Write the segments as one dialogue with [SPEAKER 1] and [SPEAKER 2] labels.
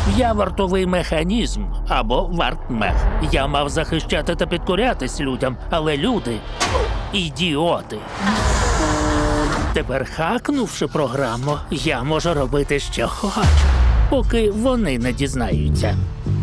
[SPEAKER 1] Я вартовий механізм або вартмех. Я мав захищати та підкорятись людям, але люди – ідіоти. Тепер, хакнувши програму, я можу робити, що хочу, поки вони не дізнаються.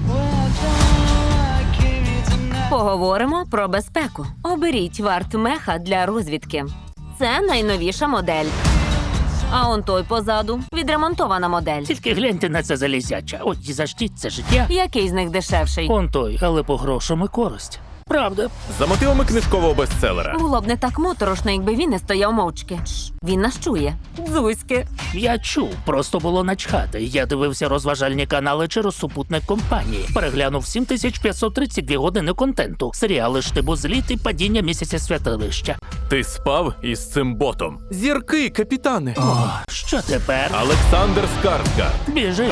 [SPEAKER 2] Поговоримо про безпеку. Оберіть вартмеха для розвідки. Це найновіша модель. А он той позаду – відремонтована модель.
[SPEAKER 1] Тільки гляньте на це залізяча. От і за що це життя.
[SPEAKER 2] Який з них дешевший?
[SPEAKER 1] Он той, але по грошам і користь. Правда.
[SPEAKER 3] За мотивами книжкового бестселера.
[SPEAKER 2] Було б не так моторошно, якби він не стояв мовчки. Він нас чує. Дзузьки.
[SPEAKER 1] Я чув, просто було начхати. Я дивився розважальні канали через супутник компанії. Переглянув 7532 години контенту. Серіали «Штибу зліт» і «Падіння місяця святилища».
[SPEAKER 3] Ти спав із цим ботом. Зірки, капітане.
[SPEAKER 1] О, що тепер?
[SPEAKER 3] Олександр Скарсгард.
[SPEAKER 1] Біжи.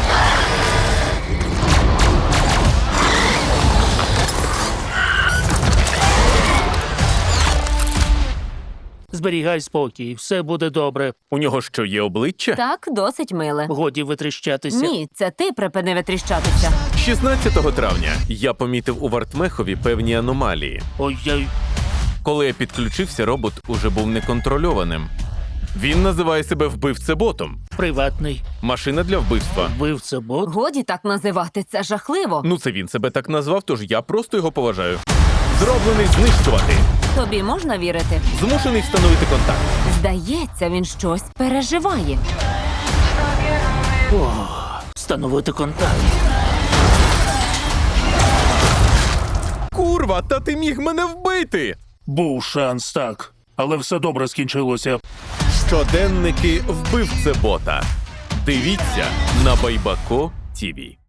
[SPEAKER 1] Зберігай спокій, все буде добре.
[SPEAKER 3] У нього що, є обличчя?
[SPEAKER 2] Так, досить миле.
[SPEAKER 1] Годі витріщатися.
[SPEAKER 2] Ні, це ти припини витріщатися.
[SPEAKER 3] 16 травня я помітив у Вартмехові певні аномалії.
[SPEAKER 1] Ой-ой.
[SPEAKER 3] Коли я підключився, робот уже був неконтрольованим. Він називає себе вбивцеботом.
[SPEAKER 1] Приватний
[SPEAKER 3] Машина для вбивства.
[SPEAKER 1] вбивця-бот.
[SPEAKER 2] Годі так називати, це жахливо.
[SPEAKER 3] Ну, це він себе так назвав, тож я просто його поважаю. Зроблений знищувати.
[SPEAKER 2] Тобі можна вірити?
[SPEAKER 3] Змушений встановити контакт.
[SPEAKER 2] Здається, він щось переживає.
[SPEAKER 1] Встановити контакт.
[SPEAKER 3] Курва, та ти міг мене вбити!
[SPEAKER 1] Був шанс, так. Але все добре скінчилося.
[SPEAKER 3] Щоденники вбивцебота. Дивіться на Байбако ТІВІ.